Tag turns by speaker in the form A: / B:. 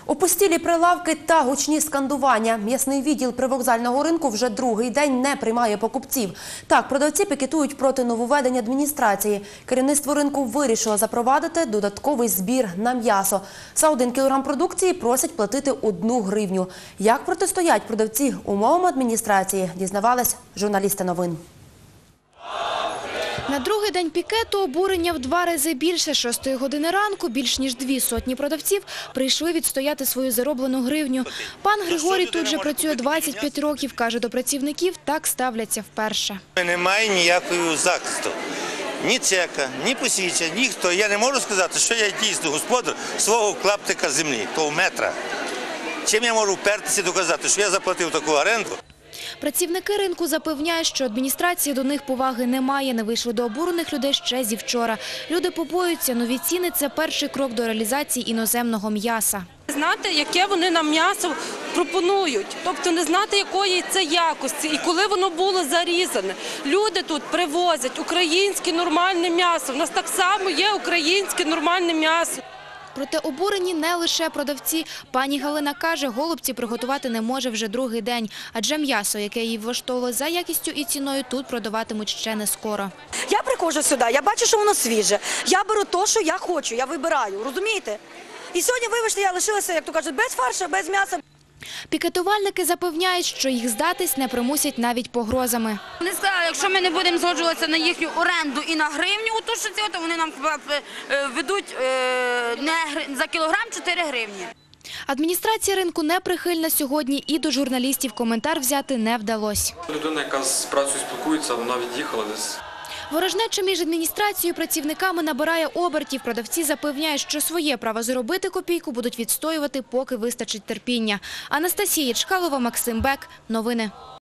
A: Опустілі прилавки та гучні скандування. М'ясний відділ привокзального ринку вже другий день не приймає покупців. Так, продавці пікетують проти нововведень адміністрації. Керівництво ринку вирішило запровадити додатковий збір на м'ясо. За 1 кілограм продукції просять платити 1 гривню. Як протистоять продавці умовам адміністрації, дізнавались журналісти новин.
B: На другий день пікету обурення в 2 рази більше. 6 години ранку більш ніж 2 сотні продавців прийшли відстояти свою зароблену гривню. Пан Григорій тут же працює 25 років. Каже, до працівників так ставляться вперше.
C: Немає ніякого захисту. Ні чека, ні посвідчення, ніхто. Я не можу сказати, що я дійсно господар свого клаптика землі, того метра. Чим я можу впертися і доказати, що я заплатив таку оренду?
B: Працівники ринку запевняють, що адміністрації до них поваги немає. Не вийшли до обурених людей ще зі вчора. Люди побоюються, нові ціни – це перший крок до реалізації іноземного м'яса.
D: Знати, яке вони нам м'ясо пропонують, тобто не знати, якої це якості і коли воно було зарізане. Люди тут привозять українське нормальне м'ясо. У нас так само є українське нормальне м'ясо.
B: Проте обурені не лише продавці. Пані Галина каже, голубці приготувати не може вже другий день. Адже м'ясо, яке її влаштовувало за якістю і ціною, тут продаватимуть ще не скоро.
E: Я приходжу сюди, я бачу, що воно свіже. Я беру те, що я хочу, я вибираю, розумієте? І сьогодні, вибачте, я лишилася, як то кажуть, без фаршу, без м'яса.
B: Пікетувальники запевняють, що їх здатись не примусять навіть погрозами.
F: Вони сказали, якщо ми не будемо згоджуватися на їхню оренду і на гривню, то вони нам ведуть за кілограм 4 гривні.
B: Адміністрація ринку не прихильна сьогодні і до журналістів коментар взяти не вдалося.
G: Людина, яка з працею спілкується, вона від'їхала десь.
B: Ворожнеча між адміністрацією і працівниками набирає обертів. Продавці запевняють, що своє право заробити копійку будуть відстоювати, поки вистачить терпіння. Анастасія Чкалова, Максим Бек. Новини.